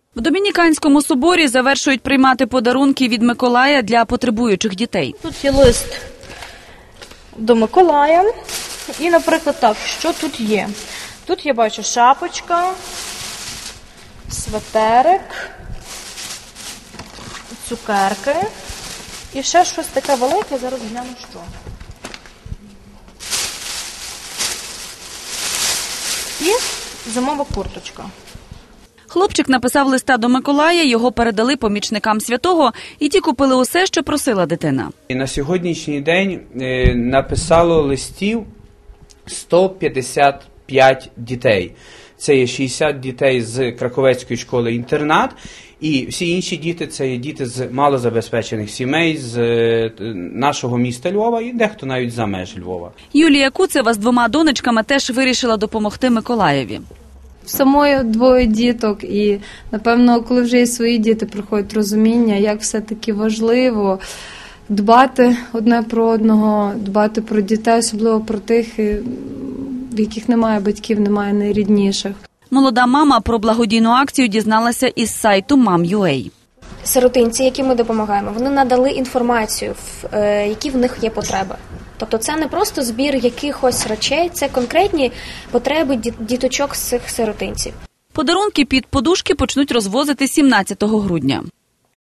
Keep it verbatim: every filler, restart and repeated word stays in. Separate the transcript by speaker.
Speaker 1: В Домініканському соборі завершують приймати подарунки від Миколая для потребуючих дітей.
Speaker 2: Тут є лист до Миколая. І, наприклад, так, що тут є? Тут я бачу шапочка, светерик, цукерки і ще щось таке велике, зараз гляну, що. І зимова курточка.
Speaker 1: Хлопчик написав листа до Миколая, його передали помічникам святого, і ті купили усе, що просила дитина.
Speaker 3: І на сьогоднішній день е, написало листів сто п'ятдесят п'ять дітей. Це є шістдесят дітей з Краковецької школи-інтернат, і всі інші діти – це є діти з малозабезпечених сімей, з е, нашого міста Львова і дехто навіть за меж Львова.
Speaker 1: Юлія Куцева з двома донечками теж вирішила допомогти Миколаєві.
Speaker 4: Самої двоє діток і, напевно, коли вже є свої діти, приходить розуміння, як все-таки важливо дбати одне про одного, дбати про дітей, особливо про тих, в яких немає батьків, немає найрідніших.
Speaker 1: Молода мама про благодійну акцію дізналася із сайту мам крапка ю а.
Speaker 5: Сиротинці, яким ми допомагаємо, вони надали інформацію, які в них є потреби. Тобто це не просто збір якихось речей, це конкретні потреби діточок з цих сиротинців.
Speaker 1: Подарунки під подушки почнуть розвозити сімнадцятого грудня.